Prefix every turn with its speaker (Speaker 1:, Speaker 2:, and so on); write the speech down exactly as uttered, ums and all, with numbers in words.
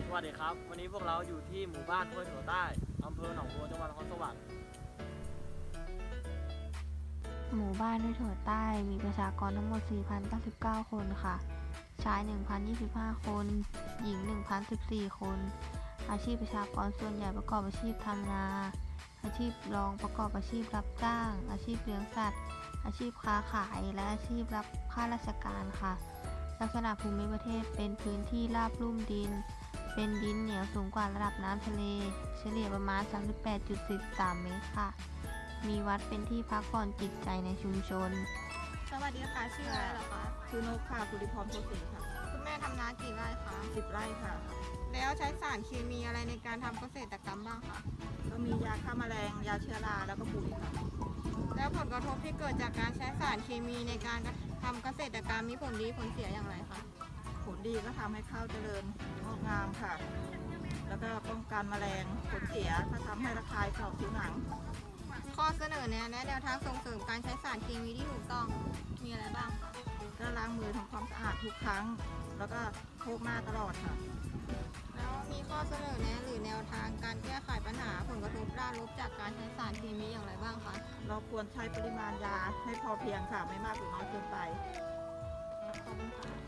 Speaker 1: วัสดีครับวันนี้พวกเราอยู่ที่หมู่บ้านห้วยถั่วใต้อำเภอหนองบัวจังหวัดนครสวรรค์
Speaker 2: หมู่บ้านห้วยถั่วใต้มีประชากรทั้งหมด สี่พันเก้าสิบเก้า คนค่ะชาย หนึ่งพันยี่สิบห้า คนหญิง หนึ่งพันสิบสี่ คนอาชีพประชากรส่วนใหญ่ประกอบอาชีพทำนาอาชีพรองประกอบอาชีพรับจ้างอาชีพเลี้ยงสัตว์อาชีพค้าขายและอาชีพรับข้าราชการค่ะลักษณะภูมิประเทศเป็นพื้นที่ราบลุ่มดินเป็นดินเหนียวสูงกว่าระดับน้ำทะเลเฉลี่ยประมาณ สามสิบแปดจุดสี่สาม เมตรค่ะมีวัดเป็นที่พักผ่อนจิตใจในชุมชน
Speaker 3: สวัสดีค่ะชื่ออะไรเหรอคะ
Speaker 4: ชื่อนกค่ะภูริพรโพสีค่ะ
Speaker 3: คุณแม่ทำนากี่ไร่คะ
Speaker 4: สิบไร่ค่ะ
Speaker 3: แล้วใช้สารเคมีอะไรในการทำเกษตรกรรมบ้างคะ
Speaker 4: ก็มียาฆ่าแมลงยาเชื้อราแล้วก็ปุ๋ยค่ะ
Speaker 3: แล้วผลกระทบที่เกิดจากการใช้สารเคมีในการทำเกษตรกรรมมีผลดีผลเสียอย่างไรคะ
Speaker 4: ผลดีก็ทำให้ข้าวเจริญงอกงามค่ะ แล้วก็ป้องกันแมลงผลเสียก็ทำให้ระคายเข่าผิวหนัง
Speaker 3: ข้อเสนอแนะและแนวทางส่งเสริมการใช้สารเคมีที่ถูกต้องมีอะไรบ้างคะ
Speaker 4: ก็ล้างมือทำความสะอาดทุกครั้ง แล้วก็โคกหน้าตลอดค่ะ
Speaker 3: แล้วมีข้อเสนอแนะหรือแนวทางการแก้ไขปัญหาผลกระทบด้านลบจากการใช้สารเคมีอย่างไรบ้างคะ
Speaker 4: เราควรใช้ปริมาณยาให้พอเพียงค่ะไม่มากหรือน้อยเกินไป
Speaker 3: ขอบคุณค่ะ